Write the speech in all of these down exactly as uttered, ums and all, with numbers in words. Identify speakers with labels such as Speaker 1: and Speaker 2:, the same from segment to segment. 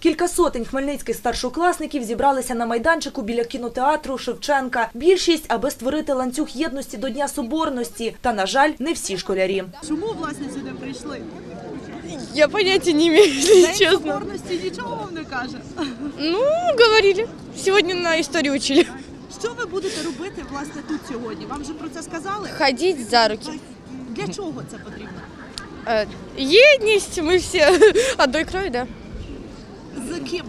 Speaker 1: Кілька сотень хмельницьких старшокласників зібралися на майданчику біля кінотеатру Шевченка. Більшість, аби створити ланцюг єдності до Дня Соборності. Та, на жаль, не всі школярі.
Speaker 2: Чому, власне, сюди прийшли?
Speaker 3: Я поняття не маю,
Speaker 2: День
Speaker 3: чесно.
Speaker 2: Соборності нічого вам не каже?
Speaker 3: Ну, говорили. Сьогодні на історії вчили.
Speaker 2: Що ви будете робити, власне, тут сьогодні? Вам вже про це сказали?
Speaker 3: Ходити за руки.
Speaker 2: Для чого це потрібно?
Speaker 3: Е, Єдність, ми всі одної крові, да.
Speaker 2: З ким?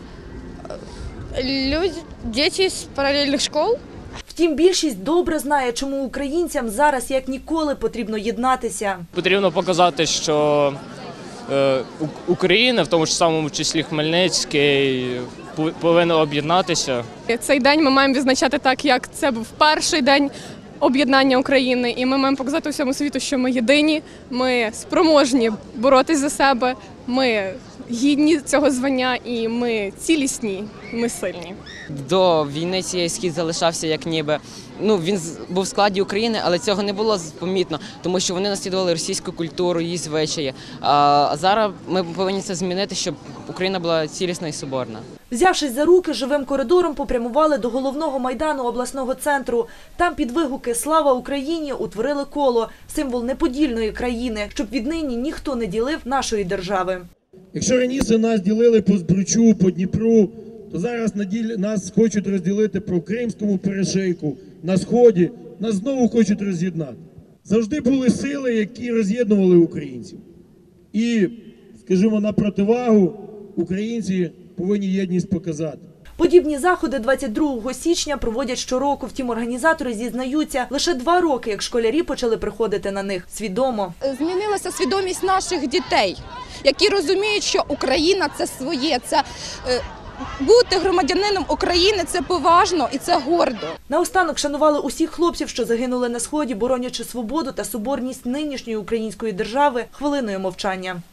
Speaker 3: Люди, діти з паралельних школ.
Speaker 1: Втім, більшість добре знає, чому українцям зараз як ніколи потрібно єднатися.
Speaker 4: Потрібно показати, що е, Україна, в тому ж самому числі Хмельницький, повинна об'єднатися.
Speaker 5: Цей день ми маємо відзначати так, як це був перший день об'єднання України. І ми маємо показати усьому світу, що ми єдині, ми спроможні боротись за себе, ми гідні цього звання і ми цілісні, ми сильні.
Speaker 6: До війни цієї схід залишався як ніби, ну він був в складі України, але цього не було помітно, тому що вони наслідували російську культуру, її звичаї. А зараз ми повинні це змінити, щоб Україна була цілісна і соборна.
Speaker 1: Взявшись за руки, живим коридором попрямували до головного майдану обласного центру. Там під вигуки «Слава Україні» утворили коло – символ неподільної країни, щоб віднині ніхто не ділив нашої держави.
Speaker 7: Якщо раніше нас ділили по Збручу, по Дніпру, то зараз нас хочуть розділити по Кримському перешийку, на Сході, нас знову хочуть роз'єднати. Завжди були сили, які роз'єднували українців. І, скажімо, на противагу українці повинні єдність показати.
Speaker 1: Подібні заходи двадцять другого січня проводять щороку. Втім, організатори зізнаються, лише два роки, як школярі почали приходити на них свідомо.
Speaker 8: Змінилася свідомість наших дітей, які розуміють, що Україна – це своє, це е, бути громадянином України – це поважно і це гордо.
Speaker 1: Наостанок шанували усіх хлопців, що загинули на Сході, боронячи свободу та соборність нинішньої української держави, хвилиною мовчання.